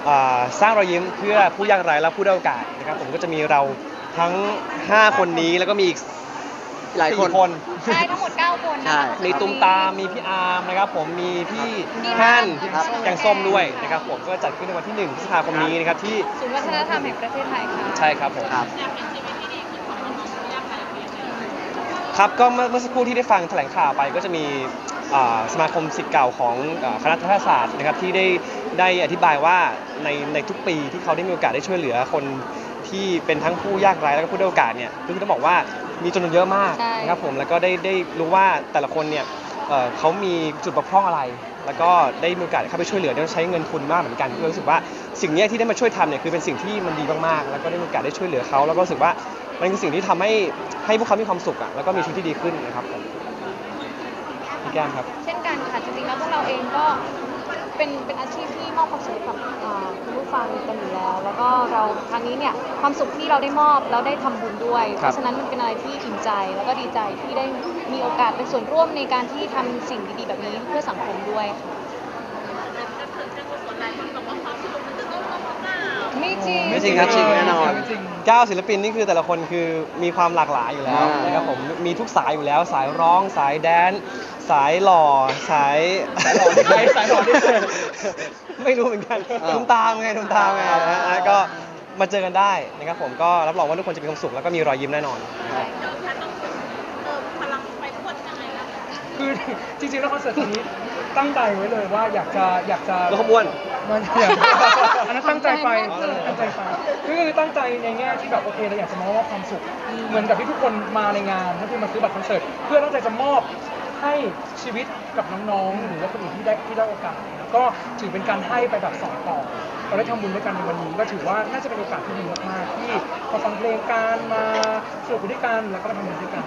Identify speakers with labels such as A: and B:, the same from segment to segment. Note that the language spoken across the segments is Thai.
A: สร้างรอยยิ้มเพื่อผู้ยากไร้และผู้ด้อยโอกาสนะครับผมก็จะมีเราทั้ง5คนนี้แล้วก็มีอีก
B: หลายคน
A: 4 คน
C: ใช่ทั้งหมด9 คน
B: ใช่
C: นะคะ
A: มีตุ้มตามมีพี่อาร์มนะครับผมมีพี่
C: พี่
A: ฮั่น
C: ครับ
A: แกงส้มด้วยนะครับผมก็จัดขึ้นในวันที่1 พฤษภาคมนี้นะครับที่
C: ศูนย์วัฒนธรรมแห่งประเทศไทยค่ะ
A: ใช่ครับผม
B: ครับ
A: ครับก็เมื่อสักครู่ที่ได้ฟังแถลงข่าวไปก็จะมีสมาคมศิษย์เก่าของคณะรัฐศาสตร์นะครับที่ได้อธิบายว่าในทุกปีที่เขาได้มีโอกาสได้ช่วยเหลือคนที่เป็นทั้งผู้ยากไร้และก็ผู้ด้อยโอกาสเนี่ยคือต้องบอกว่ามีจำนวนเยอะมาก
C: ใช่
A: นะครับผมแล้วก็ได้รู้ว่าแต่ละคนเนี่ยเขามีจุดบกพร่องอะไร แล้วก็ได้มีโอกาสเข้าไปช่วยเหลือต้องใช้เงินทุนมากเหมือนกันก็รู้สึกว่าสิ่งนี้ที่ได้มาช่วยทำเนี่ยคือเป็นสิ่งที่มันดีมากๆแล้วก็ได้มีโอกาสได้ช่วยเหลือเขาแล้วก็รู้สึกว่ามันคือสิ่งที่ทำให้พวกเขามีความสุขอ่ะแล้วก็มีชีวิตที่ดีขึ้นนะครับผมพี่แก้มครับ
C: เช่นกันค่ะจริงๆแล้วพวกเราเองก็เป็นอาชีพที่มอบความสุขให้กับคุณผู้ฟังกันอยู่แล้ว แล้วก็เราครั้งนี้เนี่ยความสุขที่เราได้มอบเราได้ทำบุญด้วย เพราะฉะนั้นมันเป็นอะไรที่อิ่มใจแล้วก็ดีใจที่ได้มีโอกาสเป็นส่วนร่วมในการที่ทำสิ่งดีๆแบบนี้เพื่อสังคมด้วยค่ะไม่จริง
B: ไม่จริงครับจริงแน่นอน
A: 9 ศิลปินนี่คือแต่ละคนคือมีความหลากหลายอยู่แล้วนะครับผมมีทุกสายอยู่แล้วสายร้องสายแดนซ์สายหล่อสายหล่อที่ใครสายหล่อที่ไม่รู้เหมือนกันตุ้มตามไงนะก็มาเจอกันได้นะครับผมก็รับรองว่าทุกคนจะมีความสุขแล้วก็มีรอยยิ้มแน่นอนนะครับ
D: คือจริงๆแล้วคอนเสิร์ตนี้ตั้งใจไว้เลยว่าอยากจะ
A: แล้วขบวน
D: มันอันนั้นตั้งใจไปคือตั้งใจในแง่ที่แบบโอเคเราอยากจะมอบความสุขเหมือนกับที่ทุกคนมาในงานถ้าคือมาซื้อบัตรคอนเสิร์ตเพื่อตั้งใจจะมอบให้ชีวิตกับน้องๆหรือว่าคนอื่นที่ได้โอกาสก็ถือเป็นการให้ไปแบบสองต่อเราได้ทำบุญด้วยกันในวันนี้ก็ถือว่าน่าจะเป็นโอกาสที่ดีมากๆที่มาฟังเพลงกันมาสนุกด้วยกันแล้วก็มาทำบุญด้วยกัน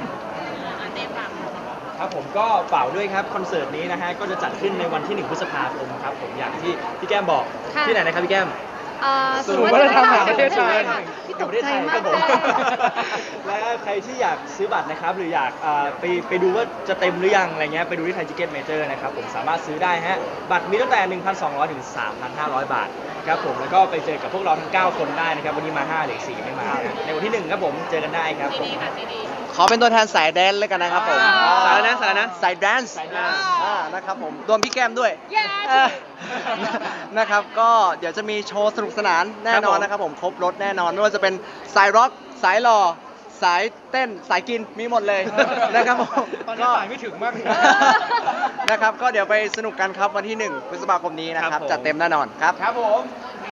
E: ครับผมก็เป่าด้วยครับคอนเสิร์ตนี้นะฮะก็จะจัดขึ้นในวันที่1 พฤษภาคมครับผมอย่างที่พี่แก้มบอก
C: ค่ะ
E: ที่ไหนนะครับพี่แก้ม
C: ศูนย์วัฒนธรรมแห่งประเทศไทย
E: ที่ประเทศไทยครับผม และใครที่อยากซื้อบัตรนะครับหรืออยากไปดูว่าจะเต็มหรือยังอะไรเงี้ยไปดูที่ไทยทิเก็ตเมเจอร์นะครับผมสามารถซื้อได้ฮะบัตรมีตั้งแต่ 1,200 ถึง 3,500 บาทครับผมแล้วก็ไปเจอกับพวกเราทั้ง 9 คนได้นะครับวันนี้มา5เหลือ4ไม่มานะในวันที่ 1 ครับผมเจอกันได้ครับผม
B: ขอเป็นตัวแทนสายแดนซ์เลยกันนะครับผม
A: สายอะไรนะสายอะไรนะ
B: สายแดนซ์
E: สายแดนซ์
B: นะครับผมรวมพี่แก้มด้วย
C: เย้
B: นะครับก็เดี๋ยวจะมีโชว์สนุกสนานแน่นอนนะครับผมครบรถแน่นอนไม่ว่าจะเป็นสายร็อกสายหล่อสายเต้นสายกินมีหมดเลยนะครับผม
D: ตอนนี้สายไม่ถึงมากเลย
B: นะครับก็เดี๋ยวไปสนุกกันครับวันที่1 พฤษภาคมนี้นะครับจัดเต็มแน่นอนครับ
E: ครับผม